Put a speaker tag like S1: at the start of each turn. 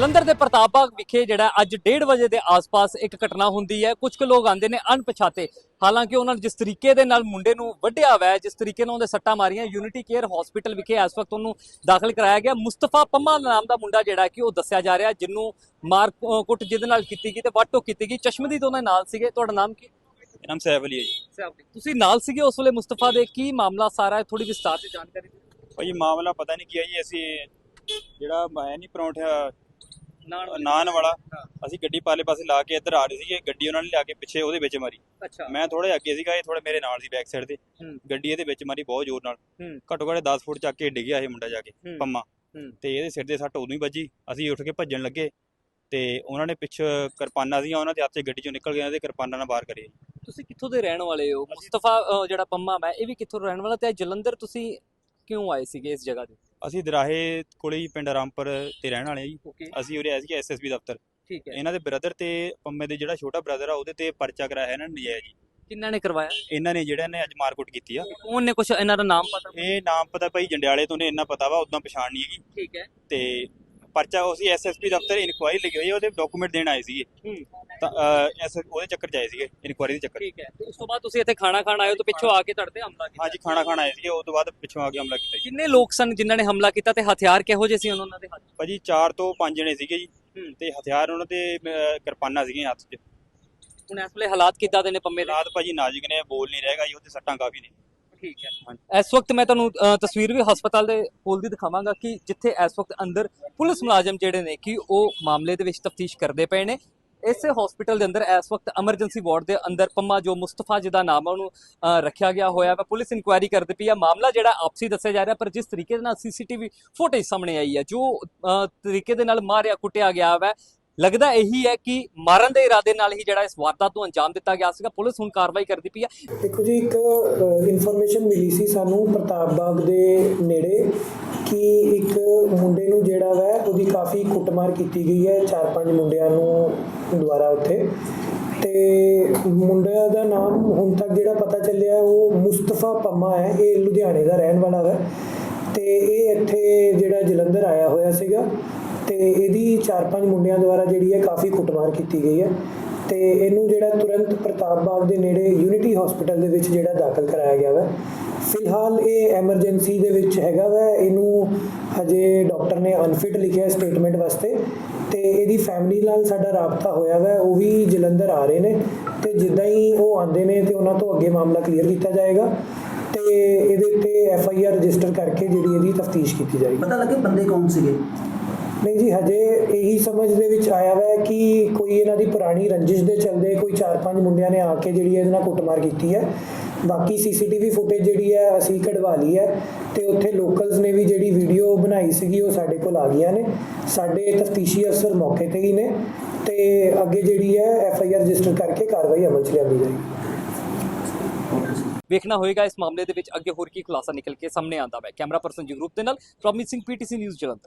S1: ਜਲੰਧਰ ਦੇ ਪ੍ਰਤਾਪ ਬਾਗ ਵਿਖੇ ਜਿਹੜਾ ਅੱਜ 1:30 ਵਜੇ ਦੇ ਆਸ-ਪਾਸ ਇੱਕ ਘਟਨਾ ਹੁੰਦੀ ਹੈ। ਕੁਝ ਕੁ ਲੋਕ ਆਉਂਦੇ ਨੇ ਅਣਪਛਾਤੇ, ਹਾਲਾਂਕਿ ਉਹਨਾਂ ਨੇ ਜਿਸ ਤਰੀਕੇ ਦੇ ਨਾਲ ਮੁੰਡੇ ਨੂੰ ਵੱਢਿਆ ਹੋਇਆ ਹੈ, ਜਿਸ ਤਰੀਕੇ ਨਾਲ ਉਹਦੇ ਸੱਟਾਂ ਮਾਰੀਆਂ, ਯੂਨਿਟੀ ਕੇਅਰ ਹਸਪੀਟਲ ਵਿਖੇ ਇਸ ਵਕਤ ਉਹਨੂੰ ਦਾਖਲ ਕਰਾਇਆ ਗਿਆ। ਮੁਸਤਫਾ ਪੰਮਾ ਨਾਮ ਦਾ ਮੁੰਡਾ ਜਿਹੜਾ ਕਿ ਉਹ ਦੱਸਿਆ ਜਾ ਰਿਹਾ, ਜਿਹਨੂੰ ਮਾਰ ਕੁੱਟ ਜਿਹਦੇ ਨਾਲ ਕੀਤੀ ਗਈ ਤੇ ਵੱਢ ਟੋਕ ਕੀਤੀ ਗਈ। ਚਸ਼ਮਦੀਦ ਉਹਨਾਂ ਨਾਲ ਸੀਗੇ। ਤੁਹਾਡਾ ਨਾਮ ਕੀ?
S2: ਮੇਰਾ ਨਾਮ ਸੈਫ ਅਲੀ ਹੈ ਜੀ।
S1: ਤੁਸੀਂ ਨਾਲ ਸੀਗੇ ਉਸ ਵੇਲੇ ਮੁਸਤਫਾ ਦੇ? ਕੀ ਮਾਮਲਾ ਸਾਰਾ ਹੈ, ਥੋੜੀ ਵਿਸਤਾਰ ਤੇ ਜਾਣਕਾਰੀ ਦਿਓ।
S2: ਭਾਈ ਮਾਮਲਾ ਪਤਾ ਨਹੀਂ ਕੀ ਹੈ ਜੀ। ਅਸੀਂ ਜਿਹੜਾ ਹੈ ਨਹੀਂ ਪਰੌਂਠਾ ਨਾਨ ਵਾਲਾ, ਅਸੀਂ ਗੱਡੀ ਪਾਲੇ ਪਾਸੇ ਲਾ ਕੇ ਇੱਧਰ ਆ ਰਹੇ ਸੀਗੇ। ਗੱਡੀ ਉਹਨਾਂ ਨੇ ਲਿਆ ਕੇ ਪਿੱਛੇ ਉਹਦੇ ਵਿੱਚ ਮਾਰੀ।
S1: ਅੱਛਾ।
S2: ਮੈਂ ਥੋੜੇ ਅੱਗੇ ਸੀਗਾ, ਇਹ ਥੋੜੇ ਮੇਰੇ ਨਾਲ ਸੀ ਬੈਕ ਸਾਈਡ ਤੇ। ਗੱਡੀ ਇਹਦੇ ਵਿੱਚ ਮਾਰੀ ਬਹੁਤ ਜ਼ੋਰ ਨਾਲ, ਘੱਟੋ ਘੱਟ 10 ਫੁੱਟ ਚੱਕ ਕੇ ਡਿੱਗਿਆ ਇਹ ਮੁੰਡਾ ਜਾ ਕੇ ਪੰਮਾ, ਤੇ ਇਹਦੇ ਸਿਰ ਦੇ ਸੱਟ ਉਦੋਂ ਹੀ ਵੱਜੀ। ਅਸੀਂ ਉੱਠ ਕੇ ਭੱਜਣ ਲੱਗੇ ਤੇ ਉਹਨਾਂ ਨੇ ਪਿੱਛੇ ਕਿਰਪਾਨਾਂ ਸੀਗੀਆਂ, ਉਹਨਾਂ ਦੇ ਹੱਥ 'ਚ ਗੱਡੀ ਚੋਂ ਨਿਕਲ ਗਏ, ਤੇ ਕਿਰਪਾਨਾਂ ਨਾਲ ਬਾਹਰ ਕਰੇ।
S1: ਤੁਸੀਂ ਕਿੱਥੋਂ ਦੇ ਰਹਿਣ ਵਾਲੇ ਹੋ? ਮੁਸਤਫਾ ਜਿਹੜਾ ਪੰਮਾ ਮੈਂ ਇਹ ਵੀ ਕਿੱਥੋਂ ਰਹਿਣ ਵਾਲਾ, ਤੇ ਜਲੰਧਰ ਤੁਸੀਂ ਕਿਉਂ ਆਏ ਸੀਗੇ ਇਸ ਜਗ੍ਹਾ ਤੇ?
S2: ਅਸੀਂ ਦਰਾਹੇ ਕੋਲੇ ਹੀ ਪਿੰਡ ਰਾਮਪੁਰ ਤੇ ਰਹਿਣ ਵਾਲੇ ਜੀ।
S1: ਓਕੇ।
S2: ਅਸੀਂ ਉਰੇ ਆਏ ਸੀ ਐਸਐਸਬੀ ਦਫ਼ਤਰ।
S1: ਠੀਕ ਹੈ।
S2: ਇਹਨਾਂ ਦੇ ਬ੍ਰਦਰ ਤੇ ਪੰਮੇ ਦੇ ਜਿਹੜਾ ਛੋਟਾ ਬ੍ਰਦਰ ਆ ਉਹਦੇ ਤੇ ਪਰਚਾ ਕਰਾਇਆ ਇਹਨਾਂ ਨੇ ਨਜਾਇਜ਼ ਜੀ।
S1: ਕਿੰਨਾਂ ਨੇ ਕਰਵਾਇਆ?
S2: ਇਹਨਾਂ ਨੇ ਜਿਹੜਾ ਨੇ ਅੱਜ ਮਾਰਕੁੱਟ ਕੀਤੀ ਆ।
S1: ਕੌਣ ਨੇ? ਕੁਛ ਇਹਨਾਂ ਦਾ ਨਾਮ ਪਤਾ?
S2: ਇਹ ਨਾਮ ਪਤਾ ਭਾਈ ਜੰਡਿਆਲੇ ਤੋਂ ਨੇ, ਇੰਨਾ ਪਤਾ ਵਾ, ਉਦਾਂ ਪਛਾਣ ਨਹੀਂ ਹੈਗੀ।
S1: ਠੀਕ ਹੈ।
S2: ਤੇ ਪਰਚਾ ਅਸੀਂ ਐਸਐਸਪੀ ਦਫ਼ਤਰ ਇਨਕੁਆਇਰੀ ਲਿਖੀ ਹੋਈ ਹੈ, ਉਹਦੇ ਡਾਕੂਮੈਂਟ ਦੇਣ ਆਏ ਸੀਗੇ। ਤਾਂ ਉਹਦੇ ਚੱਕਰ 'ਚ ਆਏ ਸੀਗੇ, ਇਨਕੁਆਇਰੀ ਦੇ ਚੱਕਰ।
S1: ਠੀਕ ਹੈ। ਤੇ ਉਸ ਤੋਂ ਬਾਅਦ ਤੁਸੀਂ ਇੱਥੇ ਖਾਣਾ ਖਾਣ ਆਏ ਹੋ ਤੇ ਪਿੱਛੋਂ ਆ ਕੇ ਤੁਹਾਡੇ ਤੇ ਹਮਲਾ ਕੀਤਾ?
S2: ਹਾਂਜੀ, ਖਾਣਾ ਖਾਣ ਆਏ ਸੀਗੇ, ਉਸ ਤੋਂ ਬਾਅਦ ਪਿੱਛੋਂ ਆ ਕੇ ਹਮਲਾ ਕੀਤਾ ਜੀ।
S1: ਕਿੰਨੇ ਲੋਕ ਸਨ ਜਿਨ੍ਹਾਂ ਨੇ ਹਮਲਾ ਕੀਤਾ ਤੇ ਹਥਿਆਰ ਕਿਹੋ ਜਿਹੇ ਸੀ ਉਹਨਾਂ ਦੇ ਹੱਥ?
S2: ਭਾਜੀ 4 ਤੋਂ 5 ਜਣੇ ਸੀਗੇ ਜੀ, ਤੇ ਹਥਿਆਰ ਉਹਨਾਂ ਦੇ ਕਿਰਪਾਨਾਂ ਸੀਗੀਆਂ ਹੱਥ 'ਚ।
S1: ਹੁਣ ਇਸ ਵੇਲੇ ਹਾਲਾਤ ਕਿੱਦਾਂ ਦੇ ਨੇ ਪੰਮੇ ਦੇ?
S2: ਰਾਤ ਭਾਜੀ ਨਾਜ਼ੁਕ ਨੇ, ਬੋਲ ਨਹੀਂ ਰਹੇਗਾ ਜੀ, ਉਹਦੇ ਸੱਟਾਂ ਕਾਫੀ ਨੇ।
S1: ਠੀਕ ਹੈ। ਇਸ ਵਕਤ ਮੈਂ ਤੁਹਾਨੂੰ ਤਸਵੀਰ ਵੀ ਹਸਪਤਾਲ ਦੇ ਕੋਲ ਦੀ ਦਿਖਾਵਾਂਗਾ ਕਿ ਜਿੱਥੇ ਇਸ ਵਕਤ ਅੰਦਰ ਪੁਲਿਸ ਮੁਲਾਜ਼ਮ ਜਿਹੜੇ ਨੇ ਕਿ ਉਹ ਮਾਮਲੇ ਦੇ ਵਿੱਚ ਤਫਤੀਸ਼ ਕਰਦੇ ਪਏ ਨੇ। ਇਸੇ ਹਸਪੀਟਲ ਦੇ ਅੰਦਰ ਇਸ ਵਕਤ ਐਮਰਜੈਂਸੀ ਵਾਰਡ ਦੇ ਅੰਦਰ ਪੰਮਾ ਜੋ ਮੁਸਤਫਾ ਜਿਹਦਾ ਨਾਮ ਹੈ ਉਹਨੂੰ ਰੱਖਿਆ ਗਿਆ ਹੋਇਆ ਵਾ। ਪੁਲਿਸ ਇਨਕੁਆਇਰੀ ਕਰਦੀ ਪਈ ਆ। ਮਾਮਲਾ ਜਿਹੜਾ ਆਪਸੀ ਦੱਸਿਆ ਜਾ ਰਿਹਾ, ਪਰ ਜਿਸ ਤਰੀਕੇ ਦੇ ਨਾਲ ਸੀਸੀਟੀਵੀ ਫੁਟੇਜ ਸਾਹਮਣੇ ਆਈ ਹੈ, ਜੋ ਤਰੀਕੇ ਦੇ ਨਾਲ ਮਾਰਿਆ ਕੁੱਟਿਆ ਗਿਆ ਵਾ, ਲੱਗਦਾ ਇਹੀ ਹੈ ਕਿ ਮਾਰਨ ਦੇ ਇਰਾਦੇ ਨਾਲ ਹੀ ਜਿਹੜਾ ਇਸ ਵਾਰਦਾਤ ਨੂੰ ਅੰਜਾਮ ਦਿੱਤਾ ਗਿਆ ਸੀਗਾ। ਪੁਲਿਸ ਹੁਣ ਕਾਰਵਾਈ ਕਰਦੀ ਪਈ ਹੈ।
S3: ਦੇਖੋ ਜੀ, ਇੱਕ ਇਨਫੋਰਮੇਸ਼ਨ ਮਿਲੀ ਸੀ ਸਾਨੂੰ ਪ੍ਰਤਾਪ ਬਾਗ ਦੇ ਨੇੜੇ ਕਿ ਇੱਕ ਮੁੰਡੇ ਨੂੰ ਜਿਹੜਾ ਵਾ ਉਹਦੀ ਕਾਫੀ ਕੁੱਟਮਾਰ ਕੀਤੀ ਗਈ ਹੈ 4-5 ਮੁੰਡਿਆਂ ਨੂੰ ਦੁਆਰਾ ਉੱਥੇ। ਤੇ ਮੁੰਡਿਆਂ ਦਾ ਨਾਮ ਹੁਣ ਤੱਕ ਜਿਹੜਾ ਪਤਾ ਚੱਲਿਆ ਉਹ ਮੁਸਤਫਾ ਪੰਮਾ ਹੈ। ਇਹ ਲੁਧਿਆਣੇ ਦਾ ਰਹਿਣ ਵਾਲਾ ਹੈ ਤੇ ਇਹ ਇੱਥੇ ਜਿਹੜਾ ਜਲੰਧਰ ਆਇਆ ਹੋਇਆ ਸੀਗਾ, ਤੇ ਇਹਦੀ 4-5 ਮੁੰਡਿਆਂ ਦੁਆਰਾ ਜਿਹੜੀ ਹੈ ਕਾਫੀ ਕੁੱਟਮਾਰ ਕੀਤੀ ਗਈ ਹੈ। ਤੇ ਇਹਨੂੰ ਜਿਹੜਾ ਤੁਰੰਤ ਪ੍ਰਤਾਪ ਬਾਗ ਦੇ ਨੇੜੇ ਯੂਨਿਟੀ ਹਸਪੀਟਲ ਦੇ ਵਿੱਚ ਜਿਹੜਾ ਦਾਖਲ ਕਰਾਇਆ ਗਿਆ ਵਾ। ਫਿਲਹਾਲ ਇਹ ਐਮਰਜੈਂਸੀ ਦੇ ਵਿੱਚ ਹੈਗਾ ਵਾ। ਇਹਨੂੰ ਹਜੇ ਡਾਕਟਰ ਨੇ ਅਨਫਿਟ ਲਿਖਿਆ ਸਟੇਟਮੈਂਟ ਵਾਸਤੇ, ਤੇ ਇਹਦੀ ਫੈਮਿਲੀ ਨਾਲ ਸਾਡਾ ਰਾਬਤਾ ਹੋਇਆ ਵਾ। ਉਹ ਵੀ ਜਲੰਧਰ ਆ ਰਹੇ ਨੇ, ਤੇ ਜਿੱਦਾਂ ਹੀ ਉਹ ਆਉਂਦੇ ਨੇ ਤੇ ਉਹਨਾਂ ਤੋਂ ਅੱਗੇ ਮਾਮਲਾ ਕਲੀਅਰ ਕੀਤਾ ਜਾਏਗਾ ਤੇ ਇਹਦੇ ਉੱਤੇ FIR ਰਜਿਸਟਰ ਕਰਕੇ ਜਿਹੜੀ ਇਹਦੀ ਤਫਤੀਸ਼ ਕੀਤੀ ਜਾਏਗੀ।
S4: ਪਤਾ ਲੱਗੇ ਬੰਦੇ ਕੌਣ ਸੀਗੇ?
S3: ਨਹੀਂ ਜੀ, ਹਜੇ ਇਹੀ ਸਮਝ ਦੇ ਵਿੱਚ ਆਇਆ ਵਾ ਕਿ ਕੋਈ ਇਹਨਾਂ ਦੀ ਪੁਰਾਣੀ ਰੰਜਿਸ਼ ਦੇ ਚੱਲਦੇ ਕੋਈ 4-5 ਮੁੰਡਿਆਂ ਨੇ ਆ ਕੇ ਜਿਹੜੀ ਇਹਦੇ ਨਾਲ ਕੁੱਟਮਾਰ ਕੀਤੀ ਹੈ। ਬਾਕੀ CCTV ਫੁਟੇਜ ਜਿਹੜੀ ਹੈ ਅਸੀਂ ਕਢਵਾ ਲਈ ਹੈ, ਤੇ ਉੱਥੇ ਲੋਕਲਸ ਨੇ ਵੀ ਜਿਹੜੀ ਵੀਡੀਓ ਬਣਾਈ ਸੀਗੀ ਉਹ ਸਾਡੇ ਕੋਲ ਆ ਗਈਆਂ ਨੇ। ਸਾਡੇ ਤਫਤੀਸ਼ੀ ਅਫਸਰ ਮੌਕੇ ਤੇ ਹੀ ਨੇ, ਤੇ ਅੱਗੇ ਜਿਹੜੀ ਹੈ FIR ਰਜਿਸਟਰ ਕਰਕੇ ਕਾਰਵਾਈ ਅਮਲ 'ਚ ਲਿਆਂਦੀ ਜਾਏਗੀ।
S1: ਵੇਖਣਾ ਹੋਏਗਾ ਇਸ ਮਾਮਲੇ ਦੇ ਵਿੱਚ ਅੱਗੇ ਹੋਰ ਕੀ ਖੁਲਾਸਾ ਨਿਕਲ ਕੇ ਸਾਹਮਣੇ ਆਉਂਦਾ ਹੈ। ਕੈਮਰਾ ਪਰਸਨ ਜਗਰੂਪ ਦੇ ਨਾਲ ਪ੍ਰੋਮਿਸਿੰਗ PTC ਨਿਊਜ਼ ਜਲੰਧਰ।